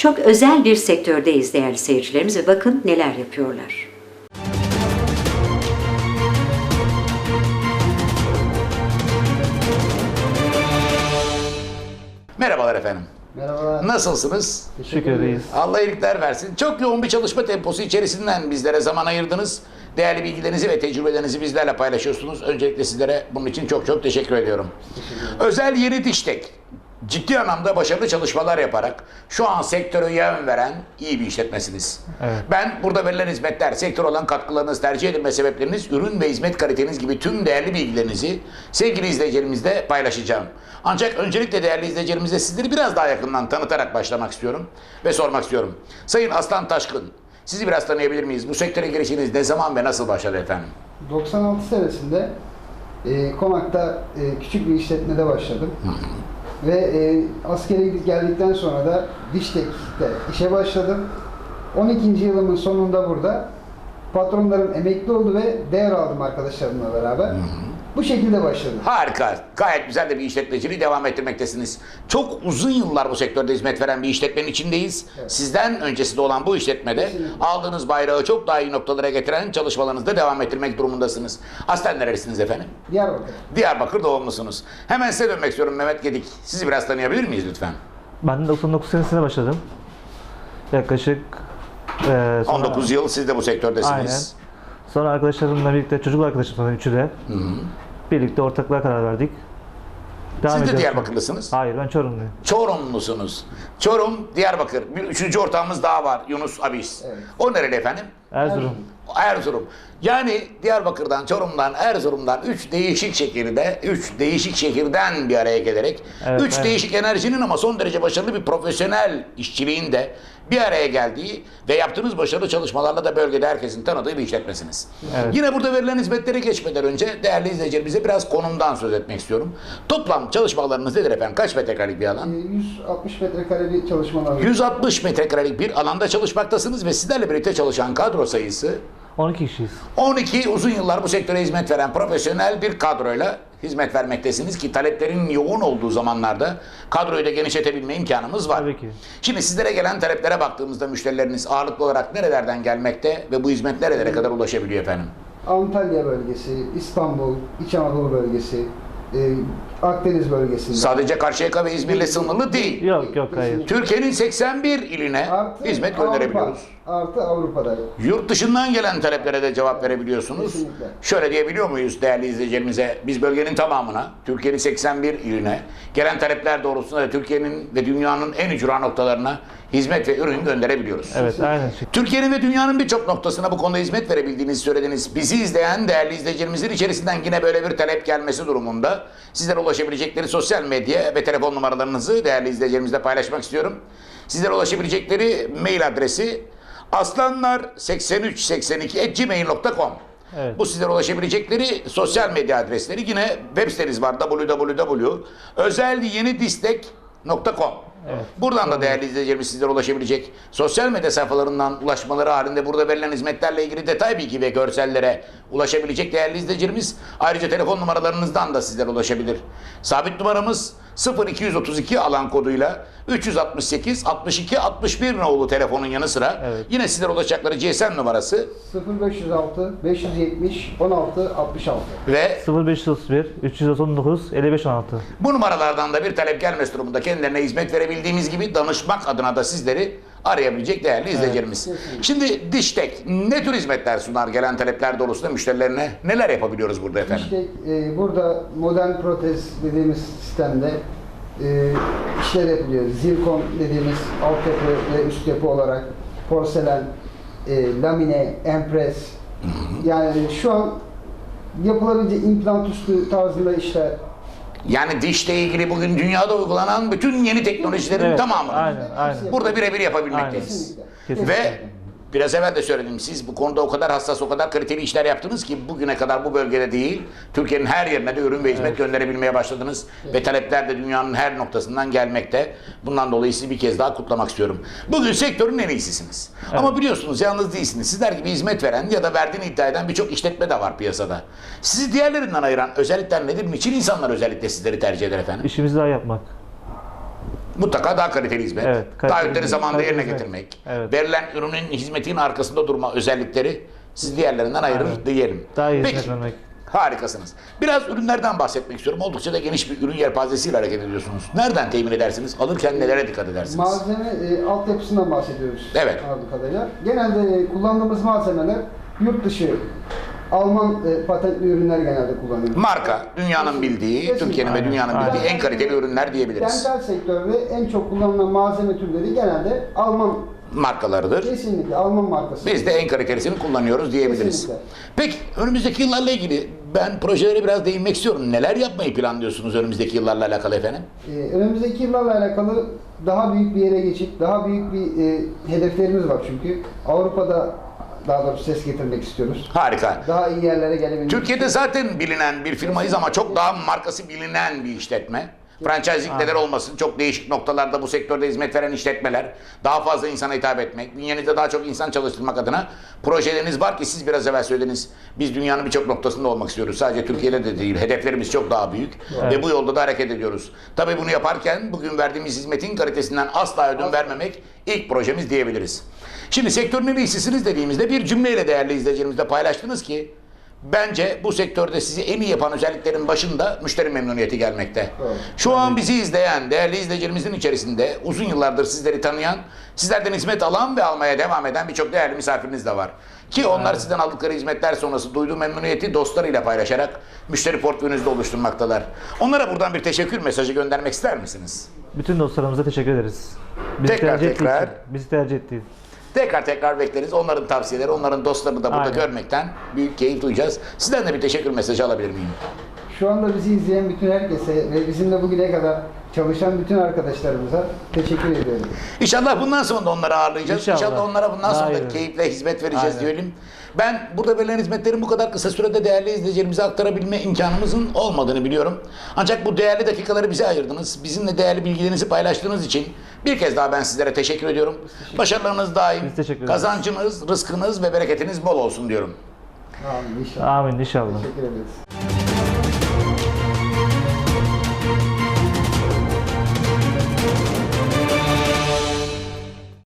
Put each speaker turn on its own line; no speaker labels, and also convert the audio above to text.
Çok özel bir sektördeyiz değerli seyircilerimiz ve bakın neler yapıyorlar.
Merhabalar efendim.
Merhabalar.
Nasılsınız?
Teşekkür ederiz.
Allah iyilikler versin. Çok yoğun bir çalışma temposu içerisinden bizlere zaman ayırdınız. Değerli bilgilerinizi ve tecrübelerinizi bizlerle paylaşıyorsunuz. Öncelikle sizlere bunun için çok çok teşekkür ediyorum. Özel Yeni Diştek ciddi anlamda başarılı çalışmalar yaparak şu an sektöre yön veren iyi bir işletmesiniz.
Evet.
Ben burada verilen hizmetler, sektör olan katkılarınız, tercih edilme sebepleriniz, ürün ve hizmet kaliteniz gibi tüm değerli bilgilerinizi sevgili izleyicilerimizle paylaşacağım. Ancak öncelikle değerli izleyicilerimize sizleri biraz daha yakından tanıtarak başlamak istiyorum ve sormak istiyorum. Sayın Aslan Taşkın, sizi biraz tanıyabilir miyiz? Bu sektöre girişiniz ne zaman ve nasıl başladı efendim?
96 senesinde Konak'ta küçük bir işletmede başladım. Ve askere geldikten sonra da Diştek'te işe başladım. 12. yılımın sonunda burada patronlarım emekli oldu ve devraldım arkadaşlarımla beraber. Bu şekilde başladım.
Harika. Gayet güzel de bir işletmeciliği devam ettirmektesiniz. Çok uzun yıllar bu sektörde hizmet veren bir işletmenin içindeyiz.
Evet.
Sizden öncesi de olan bu işletmede
Kesinlikle.
aldığınız bayrağı çok daha iyi noktalara getiren çalışmalarınızda devam ettirmek durumundasınız. Aslen nerelisiniz efendim?
Diyarbakır.
Diyarbakır doğumlusunuz. Hemen size dönmek istiyorum Mehmet Gedik. Sizi biraz tanıyabilir miyiz lütfen?
Ben de 99 senesinde başladım. Yaklaşık sonra,
19 yıl siz de bu sektördesiniz.
Aynen. Sonra arkadaşlarımla birlikte, çocuk arkadaşım sonra üçü de birlikte ortaklığa karar verdik. Devam
Siz de
ediyoruz.
Diyarbakırlısınız.
Hayır, ben Çorumluyum.
Çorumlusunuz. Çorum, Diyarbakır. Bir üçüncü ortağımız daha var. Yunus Abis.
Evet.
O nereli efendim?
Erzurum.
Erzurum. Yani Diyarbakır'dan, Çorum'dan, Erzurum'dan üç değişik şehirden bir araya gelerek
Evet,
üç
evet.
değişik enerjinin ama son derece başarılı bir profesyonel işçiliğin de bir araya geldiği ve yaptığınız başarılı çalışmalarla da bölgede herkesin tanıdığı bir işletmesiniz.
Evet.
Yine burada verilen hizmetlere geçmeden önce değerli izleyicilerimize biraz konumdan söz etmek istiyorum. Toplam çalışmalarınız nedir efendim? Kaç metrekarelik bir alan?
160 metrekare bir çalışmalar.
160 metrekarelik bir alanda çalışmaktasınız ve sizlerle birlikte çalışan kadro sayısı
12 kişiyiz.
12 uzun yıllar bu sektöre hizmet veren profesyonel bir kadroyla hizmet vermektesiniz ki taleplerin yoğun olduğu zamanlarda kadroyu da genişletebilme imkanımız var.
Tabii ki.
Şimdi sizlere gelen taleplere baktığımızda müşterileriniz ağırlıklı olarak nerelerden gelmekte ve bu hizmet nerelere kadar ulaşabiliyor efendim?
Antalya bölgesi, İstanbul, İç Anadolu bölgesi, Akdeniz bölgesinde.
Sadece Karşıyaka ve İzmir'le sınırlı değil.
Yok, hayır.
Türkiye'nin 81 iline
Artı
hizmet
Avrupa,
gönderebiliyoruz.
Artı Avrupa'da.
Yurt dışından gelen taleplere de cevap verebiliyorsunuz.
Kesinlikle.
Şöyle diyebiliyor muyuz değerli izleyicilerimize? Biz bölgenin tamamına, Türkiye'nin 81 iline gelen talepler doğrultusunda da Türkiye'nin ve dünyanın en ücra noktalarına hizmet ve ürün gönderebiliyoruz.
Evet, aynen.
Türkiye'nin ve dünyanın birçok noktasına bu konuda hizmet verebildiğinizi söylediniz. Bizi izleyen değerli izleyicilerimizin içerisinden yine böyle bir talep gelmesi durumunda sizlere ulaşabilecekleri sosyal medya ve telefon numaralarınızı değerli izleyicilerimizle paylaşmak istiyorum. Sizlere ulaşabilecekleri mail adresi aslanlar8382@gmail.com.
Evet.
Bu sizlere ulaşabilecekleri sosyal medya adresleri, yine web siteniz var www.özelyenidistek.com.
Evet.
Buradan da değerli izleyicilerimiz sizlere ulaşabilecek. Sosyal medya sayfalarından ulaşmaları halinde burada verilen hizmetlerle ilgili detay bilgi ve görsellere ulaşabilecek değerli izleyicilerimiz. Ayrıca telefon numaralarınızdan da sizlere ulaşabilir. Sabit numaramız 0232 alan koduyla 368 62 61 nolu telefonun yanı sıra
Evet.
yine sizlere ulaşacakları GSM numarası
0506 570 16 66.
ve
0531 339 55 16.
bu numaralardan da bir talep gelmesi durumunda kendilerine hizmet verebildiğimiz gibi danışmak adına da sizleri arayabilecek değerli izleyicilerimiz.
kesinlikle.
Şimdi Diştek ne tür hizmetler sunar gelen talepler doğrultusunda müşterilerine, neler yapabiliyoruz burada efendim?
İşte burada modern protez dediğimiz sistemde işler yapılıyor. Zirkon dediğimiz altyapı ve üst yapı olarak porselen, lamine, empres. Yani şu an yapılabilecek implant üstü tarzında işler.
Yani dişle ilgili bugün dünyada uygulanan bütün yeni teknolojilerin
Evet,
tamamını
aynen.
burada birebir yapabilmekteyiz.
Kesinlikle.
Kesinlikle.
Ve biraz evvel de söyledim, siz bu konuda o kadar hassas, o kadar kaliteli işler yaptınız ki bugüne kadar bu bölgede değil, Türkiye'nin her yerine de ürün ve hizmet gönderebilmeye başladınız. Ve talepler de dünyanın her noktasından gelmekte. Bundan dolayı sizi bir kez daha kutlamak istiyorum. Bugün sektörün en iyisisiniz. Ama biliyorsunuz yalnız değilsiniz. Sizler gibi hizmet veren ya da verdiğini iddia eden birçok işletme de var piyasada. Sizi diğerlerinden ayıran özellikler nedir? Niçin insanlar özellikle sizleri tercih eder efendim?
İşimizi daha yapmak.
Mutlaka daha kaliteli hizmet,
Evet, kaliteli
taahhütleri
hizmet,
zamanında
kaliteli
yerine
hizmet.
getirmek,
Evet.
verilen ürünün hizmetin arkasında durma özellikleri sizi diğerlerinden ayırır
Aynen.
diyelim.
Daha iyi
Peki,
hizmet vermek.
harikasınız. Biraz ürünlerden bahsetmek istiyorum. Oldukça da geniş bir ürün yelpazesiyle hareket ediyorsunuz. Nereden temin edersiniz? Alırken nelere dikkat edersiniz?
Malzeme altyapısından bahsediyoruz.
Evet.
Anladığım kadarıyla. Genelde kullandığımız malzemeler yurt dışı Alman patentli ürünler genelde kullanıyoruz.
Marka, dünyanın bildiği,
Kesinlikle.
Türkiye'nin ve dünyanın
Aynen.
bildiği en kaliteli ürünler diyebiliriz.
Dental sektörde en çok kullanılan malzeme türleri genelde Alman,
Markalarıdır.
kesinlikle Alman markası.
Biz de en kalitelisini kullanıyoruz diyebiliriz.
Kesinlikle.
Peki önümüzdeki yıllarla ilgili ben projelere biraz değinmek istiyorum. Neler yapmayı planlıyorsunuz önümüzdeki yıllarla alakalı efendim?
Önümüzdeki yıllarla alakalı daha büyük bir yere geçip daha büyük bir hedeflerimiz var çünkü. Avrupa'da daha doğrusu ses getirmek istiyoruz.
Harika.
Daha iyi yerlere gelebilmek
Türkiye'de zaten bilinen bir firmayız ama çok daha markası bilinen bir işletme. Franchising neler olmasın, çok değişik noktalarda bu sektörde hizmet veren işletmeler, daha fazla insana hitap etmek, bünyenizde daha çok insan çalıştırmak adına projeleriniz var ki siz biraz evvel söylediniz. Biz dünyanın birçok noktasında olmak istiyoruz. Sadece Türkiye'de de değil, hedeflerimiz çok daha büyük ve bu yolda da hareket ediyoruz. Tabii bunu yaparken bugün verdiğimiz hizmetin kalitesinden asla ödün vermemek ilk projemiz diyebiliriz. Şimdi sektörün en iyisisiniz dediğimizde bir cümleyle değerli izleyicilerimizle paylaştınız ki bence bu sektörde sizi en iyi yapan özelliklerin başında müşteri memnuniyeti gelmekte.
Evet.
Şu an bizi izleyen değerli izleyicilerimizin içerisinde uzun yıllardır sizleri tanıyan, sizlerden hizmet alan ve almaya devam eden birçok değerli misafiriniz de var. Ki onlar sizden aldıkları hizmetler sonrası duyduğu memnuniyeti dostlarıyla paylaşarak müşteri portföyünüzde oluşturmaktalar. Onlara buradan bir teşekkür mesajı göndermek ister misiniz?
Bütün dostlarımıza teşekkür ederiz.
Tekrar.
Bizi tercih ettiği.
Tekrar bekleriz. Onların tavsiyeleri, onların dostlarını da burada
Aynen.
görmekten büyük keyif duyacağız. Sizden de bir teşekkür mesajı alabilir miyim?
Şu anda bizi izleyen bütün herkese ve bizimle bugüne kadar çalışan bütün arkadaşlarımıza teşekkür ediyorum.
İnşallah bundan sonra da onları ağırlayacağız.
İnşallah.
İnşallah onlara bundan sonra da
Aynen.
keyifle hizmet vereceğiz
Aynen.
diyelim. Ben burada verilen hizmetlerin bu kadar kısa sürede değerli izleyicilerimize aktarabilme imkanımızın olmadığını biliyorum. Ancak bu değerli dakikaları bize ayırdınız. Bizimle değerli bilgilerinizi paylaştığınız için bir kez daha ben sizlere teşekkür ediyorum. Başarılarınız daim,
Biz teşekkür ederiz.
kazancınız, rızkınız ve bereketiniz bol olsun diyorum.
Amin inşallah.
Amin inşallah.
Teşekkür ederiz.